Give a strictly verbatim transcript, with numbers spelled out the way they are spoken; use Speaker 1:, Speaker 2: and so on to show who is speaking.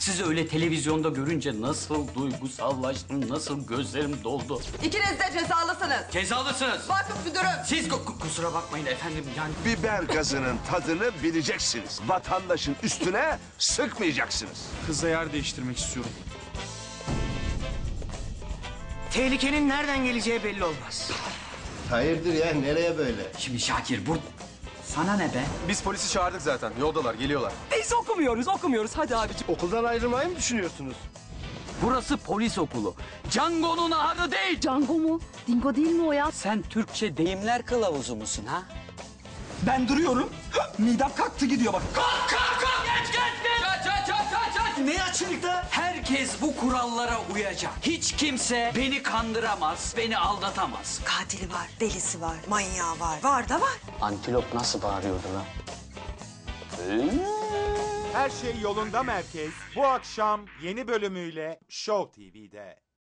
Speaker 1: Sizi öyle televizyonda görünce nasıl duygusallaştım, nasıl gözlerim doldu.
Speaker 2: İkiniz de cezalısınız.
Speaker 1: Cezalısınız.
Speaker 2: Vakıf müdürüm.
Speaker 1: Siz ku- kusura bakmayın efendim yani.
Speaker 3: Biber gazının tadını bileceksiniz. Vatandaşın üstüne sıkmayacaksınız.
Speaker 4: Kızla yer değiştirmek istiyorum.
Speaker 5: Tehlikenin nereden geleceği belli olmaz.
Speaker 6: Hayırdır ya, nereye böyle?
Speaker 1: Şimdi Şakir bu... Sana ne be?
Speaker 4: Biz polisi çağırdık zaten. Yoldalar, geliyorlar.
Speaker 7: Biz okumuyoruz, okumuyoruz. Hadi abiciğim.
Speaker 6: Okuldan ayrılmayı mı düşünüyorsunuz?
Speaker 1: Burası polis okulu. Django'nun ahırı değil.
Speaker 8: Django mu? Dingo değil mi o ya?
Speaker 1: Sen Türkçe deyimler kılavuzu musun ha?
Speaker 7: Ben duruyorum. Midem kalktı gidiyor bak.
Speaker 1: Kalk kalk kalk! Geç geç geç! Aç aç aç aç aç!
Speaker 5: Ne açıkta?
Speaker 1: Herkes bu kurallara uyacak. Hiç kimse beni kandıramaz, beni aldatamaz.
Speaker 2: Katili var, delisi var, manyağı var. Var da var.
Speaker 1: Antilop nasıl bağırıyordu lan?
Speaker 9: Her şey yolunda merkez bu akşam yeni bölümüyle Show T V'de.